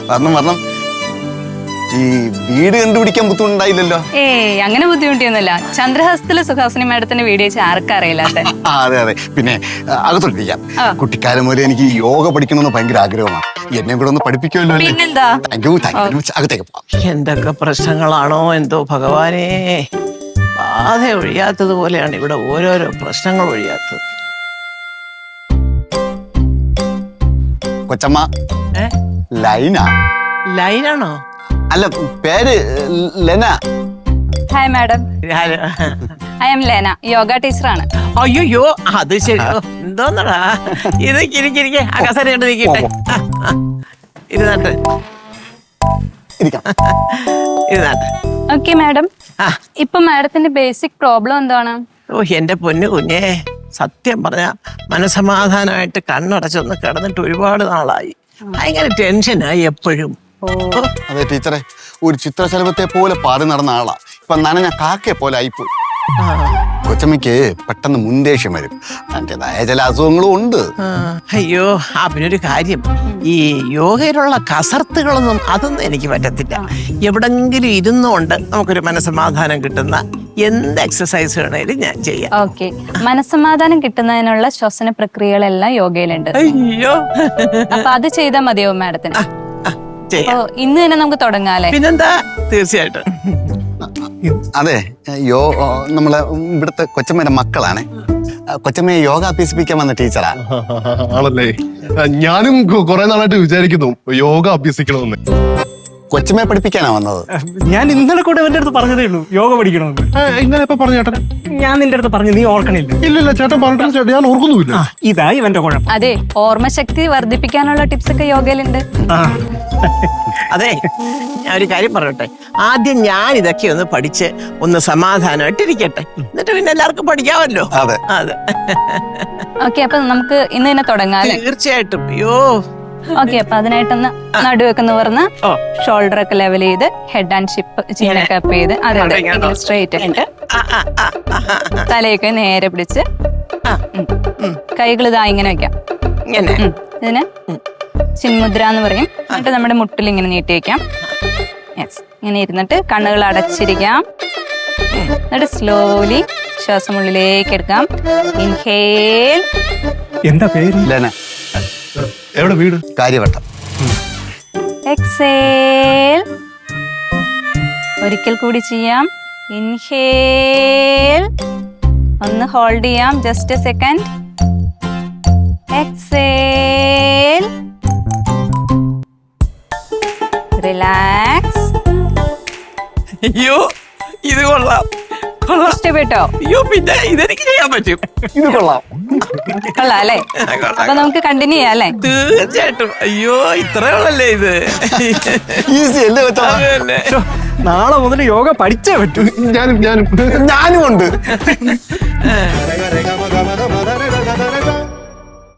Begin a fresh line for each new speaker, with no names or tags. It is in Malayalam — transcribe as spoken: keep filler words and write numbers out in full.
വരണം വരണം. ഈ വീട് കണ്ടുപിടിക്കാൻ ബുദ്ധിമുട്ടുണ്ടായില്ലല്ലോ?
ഏയ് അങ്ങനെ ബുദ്ധിമുട്ടിയൊന്നുമില്ല. ചന്ദ്രഹസ്തത്തിലെ സുഹാസിനി മാഡത്തിന്റെ വീഡിയോ വെച്ച് ആർക്കറിയില്ലാത്ത.
അതെ അതെ. പിന്നെ അകത്തോട്ടിരിക്കാം. കുട്ടിക്കാലം മുതലേ എനിക്ക് യോഗ പഠിക്കണമെന്ന് ഭയങ്കര ആഗ്രഹമാണ്. എന്നെ കൂടെ ഒന്ന് പഠിപ്പിക്കുമല്ലോ?
പിന്നെന്താ.
Thank you thank you. അകത്തേക്ക് പോവാം.
എന്തൊക്കെ പ്രശ്നങ്ങളാണോ എന്തോ ഭഗവാനേ. ബാധ ഒഴിയാത്തത് പോലെയാണ് ഇവിടെ ഓരോരോ പ്രശ്നങ്ങൾ ഒഴിയാത്തത്.
കൊച്ചമ്മ ലൈന.
ലൈനാണോ?
അല്ല, പേര് Lena.
Hi madam, I am Lena, yoga ടീച്ചറാണ്.
അയ്യോ അത് ശരി. എന്തോന്നടാ ഇത്? കിരിക്കിരിക്കെ അകസര കണ്ട് നിൽക്കട്ടെ. ഇരുന്നാട്ട് ഇരുന്നാട്ട്.
ഓക്കെ മാഡം, ഇപ്പൊ മാഡത്തിന്റെ ബേസിക് പ്രോബ്ലം എന്താണ്?
ഓ എന്റെ പൊന്നു കുഞ്ഞേ, സത്യം പറഞ്ഞ മനസമാധാനമായിട്ട് കണ്ണടച്ചൊന്ന് കിടന്നിട്ട് ഒരുപാട് നാളായി. ഭയങ്കര ടെൻഷനായി എപ്പോഴും.
അതെ ടീച്ചറെ, ഒരു ചിത്രശലഭത്തെ പോലെ പാറി നടന്ന ആളാ. ഇപ്പൊ നനഞ്ഞ കാക്കയെ പോലെ ആയിപ്പോയി. കൊച്ചമ്മയ്ക്ക് പെട്ടെന്ന് മുൻദേഷ്യം വരും. അതിൻ്റെതായ ചില അസുഖങ്ങളും ഉണ്ട്.
അയ്യോ ആ പിന്നൊരു കാര്യം, ഈ യോഗയിലുള്ള കസർത്തുകളൊന്നും അതൊന്നും എനിക്ക് പറ്റത്തില്ല. എവിടെങ്കിലും ഇരുന്നുകൊണ്ട് നമുക്കൊരു മനസ്സമാധാനം കിട്ടുന്ന എന്ത് എക്സസൈസ് വേണേലും ഞാൻ ചെയ്യാം.
ഓക്കെ, മനസ്സമാധാനം കിട്ടുന്നതിനുള്ള ശ്വസന പ്രക്രിയകളെല്ലാം യോഗയിലുണ്ട്.
അയ്യോ
അപ്പൊ അത് ചെയ്താൽ മതിയോ മാഡത്തിന്?
ചെയ്യാം.
ഇന്ന് തന്നെ നമുക്ക് തുടങ്ങാല്ലേ?
പിന്നെന്താ, തീർച്ചയായിട്ടും.
അതെ, യോ നമ്മളെ ഇവിടുത്തെ കൊച്ചമ്മയുടെ മക്കളാണ്. കൊച്ചമ്മയെ യോഗ അഭ്യസിപ്പിക്കാൻ വന്ന ടീച്ചറാ.
ആണല്ലേ? ഞാനും കുറെ നാളായിട്ട് വിചാരിക്കുന്നു യോഗ അഭ്യസിക്കണമെന്ന്.
കൊച്ചമ്മയെ പഠിപ്പിക്കാനാ വന്നത്.
ഞാൻ ഇന്നലെ കൂടെ എന്റെ അടുത്ത് പറഞ്ഞതേ ഉള്ളൂ യോഗ പഠിക്കണമെന്ന്.
ഇന്നലെ ഇപ്പൊ പറഞ്ഞു ചേട്ടൻ?
ഞാൻ നിന്റെ അടുത്ത് പറഞ്ഞു, നീ ഓർക്കണില്ല.
ഇല്ലില്ല ചേട്ടൻ പറഞ്ഞിട്ടില്ല ചേട്ടൻ, ഞാൻ ഓർക്കുന്നുമില്ല.
ഇതാ ഇവന്റെ കുഴപ്പം.
അതെ, ഓർമ്മശക്തി വർദ്ധിപ്പിക്കാനുള്ള ടിപ്സ് ഒക്കെ യോഗയിലുണ്ട്.
അതെ, ഞാൻ ഒരു കാര്യം പറയട്ടെ. ആദ്യം ഞാൻ ഇതൊക്കെ ഒന്ന് പഠിച്ച് ഒന്ന് സമാധാനമായിട്ട് ഇരിക്കട്ടെ, എന്നിട്ട് പിന്നെ എല്ലാവർക്കും പഠിക്കാമല്ലോ.
അതെ
അതെ.
ഓക്കെ, അപ്പൊ നമുക്ക് ഇന്ന് തന്നെ തുടങ്ങാല്ലേ?
തീർച്ചയായിട്ടും. അയ്യോ
ഓക്കെ, അപ്പൊ അതിനായിട്ടൊന്ന് നടുവൊക്കെ നിവർന്ന് ഷോൾഡർ ഒക്കെ ലെവൽ ചെയ്ത് ഹെഡ് ആൻഡ് ഷിപ്പ് ചീനൊക്കെ അപ്പ് ചെയ്ത് അതെ അതെ സ്ട്രെയിറ്റ് തലയൊക്കെ നേരെ പിടിച്ച് കൈകൾ ഇതാ ഇങ്ങനെ വെക്കാം.
ഇങ്ങനെ
ഇതിന് ചിന്മുദ്ര എന്ന് പറയും. എന്നിട്ട് നമ്മുടെ മുട്ടിൽ ഇങ്ങനെ നീട്ടി വെക്കാം. യെസ്, ഇങ്ങനെ ഇരുന്നിട്ട് കണ്ണുകൾ അടച്ചിരിക്കാം. എന്നിട്ട് സ്ലോലി ശ്വാസം ഉള്ളിലേക്ക് എടുക്കാം. ഇൻഹേൽ.
എന്താ പേര്?
ലെന.
എവിടെ വീട്?
കാര്യവട്ടം.
എക്സേൽ. ഒരിക്കൽ കൂടി ചെയ്യാം. ഇൻഹേൽ. ഒന്ന് ഹോൾഡ് ചെയ്യാം, just a second. Exhale. Relax.
അയ്യോ ഇത് കൊള്ളാം.
ഇഷ്ടപ്പെട്ടോ?
അയ്യോ പിന്നെ ഇതെനിക്ക് ചെയ്യാൻ പറ്റും.
ഇത് കൊള്ളാം.
കൊള്ളാം അല്ലേ? അപ്പൊ നമുക്ക് കണ്ടിന്യൂ ചെയ്യാം അല്ലേ?
തീർച്ചയായിട്ടും. അയ്യോ ഇത്രയുള്ളല്ലേ ഇത്?
ഈസി അല്ലേ കൊച്ചമ്മ?
അതല്ലേ.
നാളെ മുതൽ യോഗ പഠിച്ചേ പറ്റൂ.
ഞാനും ഞാനും
ഞാനും ഉണ്ട്.